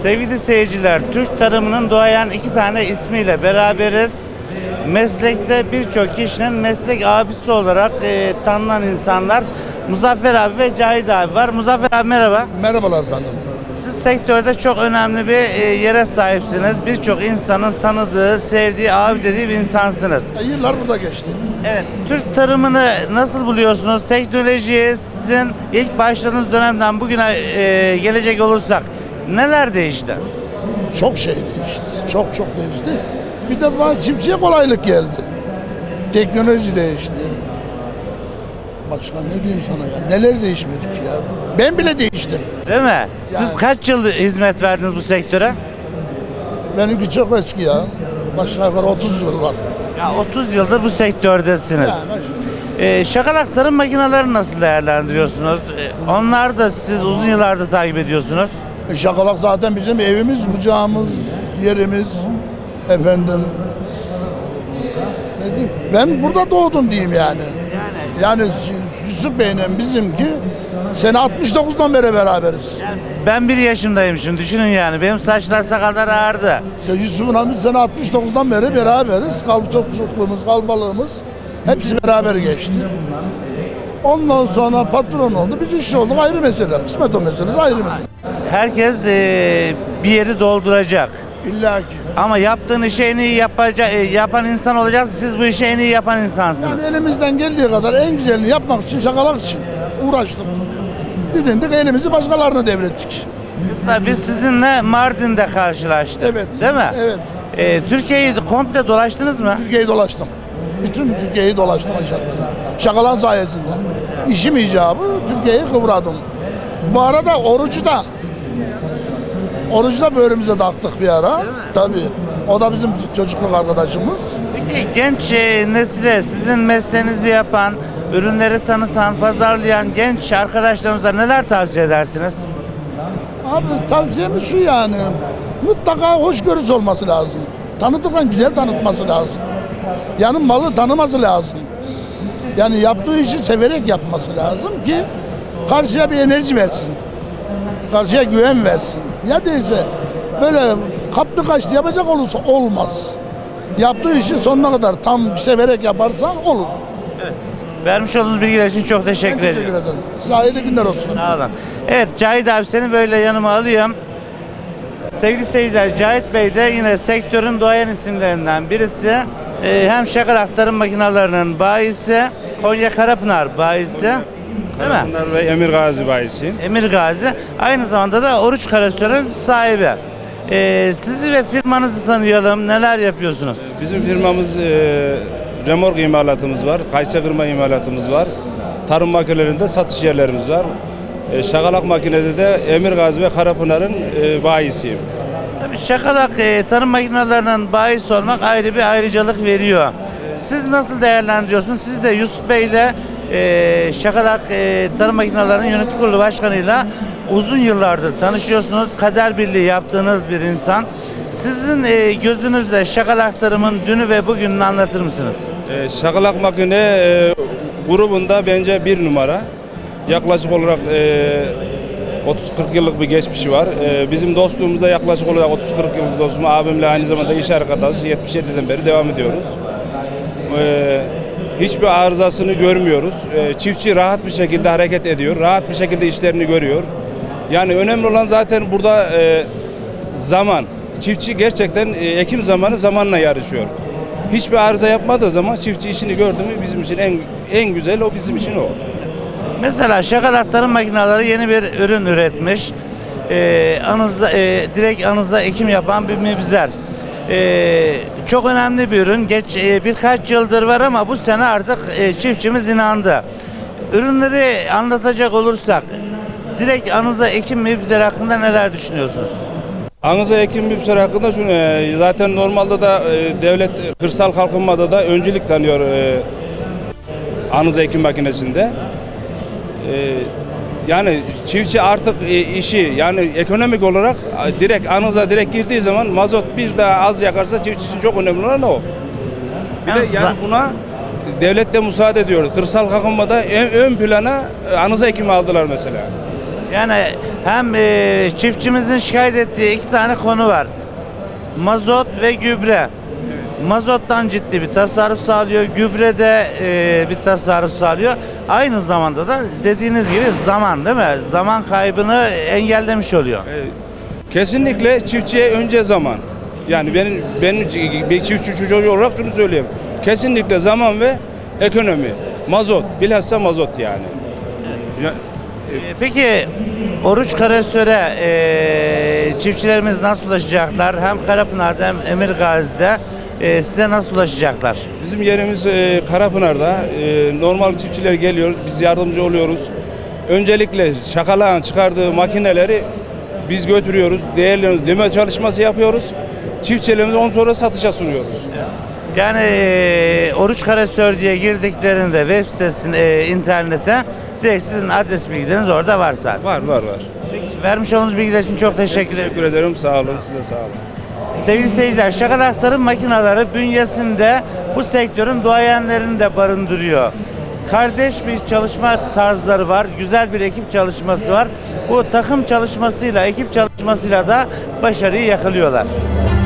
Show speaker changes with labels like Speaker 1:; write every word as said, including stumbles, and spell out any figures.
Speaker 1: Sevgili seyirciler, Türk tarımının doğayan iki tane ismiyle beraberiz. Meslekte birçok kişinin meslek abisi olarak e, tanınan insanlar Muzaffer abi ve Cahit abi var. Muzaffer abi merhaba.
Speaker 2: Merhabalar efendim.
Speaker 1: Siz sektörde çok önemli bir e, yere sahipsiniz. Birçok insanın tanıdığı, sevdiği, abi dediği bir insansınız.
Speaker 2: E, yıllar burada geçti.
Speaker 1: Evet, Türk tarımını nasıl buluyorsunuz? Teknolojiye sizin ilk başladığınız dönemden bugüne e, gelecek olursak neler değişti?
Speaker 2: Çok şey değişti. Çok çok değişti. Bir de bana çiftçiye kolaylık geldi. Teknoloji değişti. Başka ne diyeyim sana ya? Neler değişmedik ya? Ben bile değiştim.
Speaker 1: Değil mi? Siz
Speaker 2: Yani.
Speaker 1: kaç yıl hizmet verdiniz bu sektöre?
Speaker 2: Benimki çok eski ya. Başka yukarı otuz yıl var.
Speaker 1: Ya otuz yıldır bu sektördesiniz.
Speaker 2: Yani,
Speaker 1: Ee, şakalak tarım makineleri nasıl değerlendiriyorsunuz? Ee, onlar da siz uzun yıllardır takip ediyorsunuz.
Speaker 2: e, Şakalak zaten bizim evimiz, bucağımız, yerimiz. Efendim. Ne diyeyim? Ben burada doğdum diyeyim yani.
Speaker 1: Yani
Speaker 2: Yani Yusuf Bey'le bizimki sene altmış dokuzdan beri beraberiz.
Speaker 1: ben bir yaşındayım şimdi, düşünün yani. Benim saçlar sakallar ağardı.
Speaker 2: İşte Yusuf'un abi sene altmış dokuzdan beri beraberiz. Kalp çokçukluğumuz, kalbalığımız hepsi beraber geçti. Ondan sonra patron oldu. Biz iş olduk, ayrı mesele. Kısmet o meselesi ayrı mesele.
Speaker 1: Herkes ee, bir yeri dolduracak.
Speaker 2: İlla ki.
Speaker 1: Ama yaptığın işi en iyi yapacak, e, yapan insan olacaksınız. Siz bu işi en iyi yapan insansınız.
Speaker 2: Yani elimizden geldiği kadar en güzelini yapmak için, şakalak için uğraştık. Didindik, elimizi başkalarına devrettik.
Speaker 1: Biz, biz sizinle Mardin'de karşılaştık.
Speaker 2: Evet.
Speaker 1: Değil mi?
Speaker 2: Evet.
Speaker 1: Ee, Türkiye'yi komple dolaştınız mı?
Speaker 2: Türkiye'yi dolaştım. Bütün Türkiye'yi dolaştım aşağı yukarı. Şakalan sayesinde. İşim icabı Türkiye'yi kıvradım. Bu arada orucu da orucu da böğrümüze taktık bir ara. Tabii. O da bizim çocukluk arkadaşımız.
Speaker 1: Peki genç e, nesile sizin mesleğinizi yapan, ürünleri tanıtan, pazarlayan genç arkadaşlarımıza neler tavsiye edersiniz?
Speaker 2: Abi tavsiyemiz şu yani. Mutlaka hoşgörüsü olması lazım. Tanıtırken güzel tanıtması lazım. Yani malı tanıması lazım. Yani yaptığı işi severek yapması lazım ki karşıya bir enerji versin. Karşıya güven versin. Ya değilse böyle kaptı kaçtı yapacak olursa olmaz. Yaptığı işi sonuna kadar tam severek yaparsa olur.
Speaker 1: Vermiş olduğunuz bilgiler için çok
Speaker 2: Ben
Speaker 1: teşekkür,
Speaker 2: teşekkür
Speaker 1: ediyorum.
Speaker 2: ederim. Size hayırlı günler olsun.
Speaker 1: Sağ olun. Evet, Cahit abi seni böyle yanıma alayım. Sevgili seyirciler, Cahit Bey de yine sektörün doğayan isimlerinden birisi. Ee, hem şakalak tarım makinelerinin bayisi, Konya Karapınar bayisi. Değil mi?
Speaker 3: Bunlar ve Emir Gazi bayisi.
Speaker 1: Emir Gazi. Aynı zamanda da Oruç Karasör'ün sahibi. Ee, sizi ve firmanızı tanıyalım. Neler yapıyorsunuz?
Speaker 3: Bizim firmamız e, remork imalatımız var, kayısı kırma imalatımız var. Tarım makinelerinde satış yerlerimiz var. E, şakalak makinede de Emir Gazi ve Karapınar'ın e, bayisiyim.
Speaker 1: Tabii şakalak e, tarım makinelerinin bayisi olmak ayrı bir ayrıcalık veriyor. Siz nasıl değerlendiriyorsunuz? Siz de Yusuf Bey ile e, şakalak e, tarım makinelerinin yönetim kurulu başkanıyla uzun yıllardır tanışıyorsunuz. Kader birliği yaptığınız bir insan. Sizin e, gözünüzle şakalak tarımın dünü ve bugününü anlatır mısınız?
Speaker 3: E, şakalak makine e, grubunda bence bir numara. Yaklaşık olarak e, otuz kırk yıllık bir geçmişi var. E, bizim dostluğumuzda yaklaşık olarak otuz kırk yıllık dostum, abimle aynı zamanda iş arkadaşı, yetmiş yediden beri devam ediyoruz. E, hiçbir arızasını görmüyoruz. E, çiftçi rahat bir şekilde hareket ediyor, rahat bir şekilde işlerini görüyor. Yani önemli olan zaten burada e, zaman. Çiftçi gerçekten e, ekim zamanı zamanla yarışıyor. Hiçbir arıza yapmadığı zaman çiftçi işini gördü mü bizim için en en güzel o, bizim için o.
Speaker 1: Mesela şakalak tarım makineleri yeni bir ürün üretmiş. Ee, anıza, e, direkt anıza ekim yapan bir mibzer. Ee, çok önemli bir ürün. Geç e, birkaç yıldır var ama bu sene artık e, çiftçimiz inandı. Ürünleri anlatacak olursak, direkt anıza ekim mibzer hakkında neler düşünüyorsunuz?
Speaker 3: Anıza ekim mibzer hakkında şunu, e, zaten normalde da e, devlet kırsal kalkınmada da öncülük tanıyor e, anıza ekim makinesinde. E, yani çiftçi artık e, işi yani ekonomik olarak e, direkt anıza direkt girdiği zaman mazot bir daha az yakarsa çiftçi için çok önemli olan o. Bir de yani buna devlet de müsaade ediyor. Kırsal kalkınmada ön, ön plana e, anıza ekimi aldılar mesela.
Speaker 1: Yani hem e, çiftçimizin şikayet ettiği iki tane konu var. Mazot ve gübre. Mazottan ciddi bir tasarruf sağlıyor. Gübrede e, bir tasarruf sağlıyor. Aynı zamanda da dediğiniz gibi zaman, değil mi? Zaman kaybını engellemiş oluyor.
Speaker 3: Kesinlikle çiftçiye önce zaman. Yani benim benim bir çiftçi çocuğu olarak şunu söyleyeyim. Kesinlikle zaman ve ekonomi. Mazot, bilhassa mazot yani. Ya,
Speaker 1: E, Peki Oruç Karasör'e e, çiftçilerimiz nasıl ulaşacaklar? Hem Karapınar'da hem Emirgazi'de e, size nasıl ulaşacaklar?
Speaker 3: Bizim yerimiz e, Karapınar'da. E, normal çiftçiler geliyor, biz yardımcı oluyoruz. Öncelikle şakalağın çıkardığı makineleri biz götürüyoruz, değerlendirme çalışması yapıyoruz. Çiftçilerimizi on sonra satışa sunuyoruz.
Speaker 1: Yani e, Oruç Karasör diye girdiklerinde web sitesine, e, internete direkt sizin adres bilgileriniz orada var zaten.
Speaker 3: Var var var.
Speaker 1: Peki, vermiş olduğunuz bilgiler için çok teşekkür ederim.
Speaker 3: Teşekkür ederim, sağ olun, siz de sağ olun.
Speaker 1: Sevgili seyirciler, şakal aktarım makineleri bünyesinde bu sektörün duayenlerini de barındırıyor. Kardeş bir çalışma tarzları var, güzel bir ekip çalışması var. Bu takım çalışmasıyla, ekip çalışmasıyla da başarıyı yakalıyorlar.